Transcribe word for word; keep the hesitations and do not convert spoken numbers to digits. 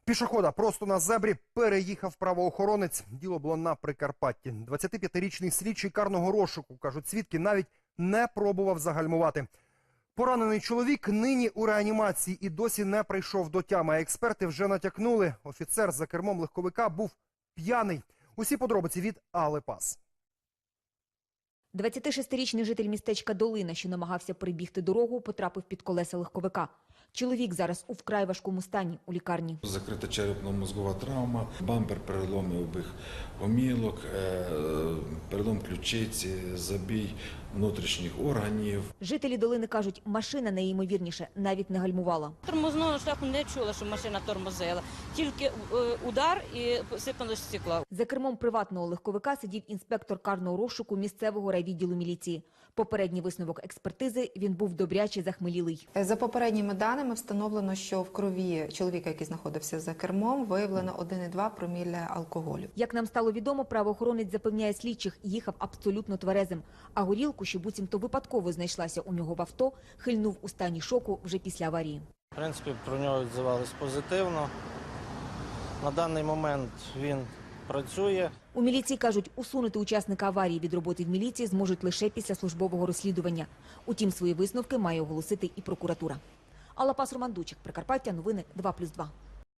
Пішохода просто на зебрі переїхав правоохоронець. Діло було на Прикарпатті. двадцятип'ятирічний слідчий карного розшуку, кажуть свідки, навіть не пробував загальмувати. Поранений чоловік нині у реанімації і досі не прийшов до тями. Експерти вже натякнули, офіцер за кермом легковика був п'яний. Усі подробиці від Алли Пас. двадцятишестирічний житель містечка Долина, що намагався перебігти дорогу, потрапив під колеса легковика. Чоловік зараз у вкрай важкому стані у лікарні. Закрита черепно-мозгова травма, бампер переломів обох гомілок, перелом ключиці, забій внутрішніх органів. Жителі Долини кажуть, машина найімовірніше навіть не гальмувала. Тормозного шляху не чула, що машина тормозила. Тільки удар і сипалось стекло. За кермом приватного легковика сидів інспектор карного розшуку місцевого райвідділу міліції. Попередній висновок експертизи – він був добряче захмелілий. За попередніми даними встановлено, що в крові чоловіка, який знаходився за кермом, виявлено один цілих два проміля алкоголю. Як нам стало відомо, правоохоронець запевняє слідчих, їхав абсолютно тверезим. А горілку, що буцімто випадково знайшлася у нього в авто, хильнув у стані шоку вже після аварії. В принципі, про нього відзивались позитивно. На даний момент він працює. У міліції кажуть, усунути учасника аварії від роботи в міліції зможуть лише після службового розслідування. Утім, свої висновки має оголосити і прокуратура. Алла Пас, Роман Дучик, Прикарпаття, новини два плюс два.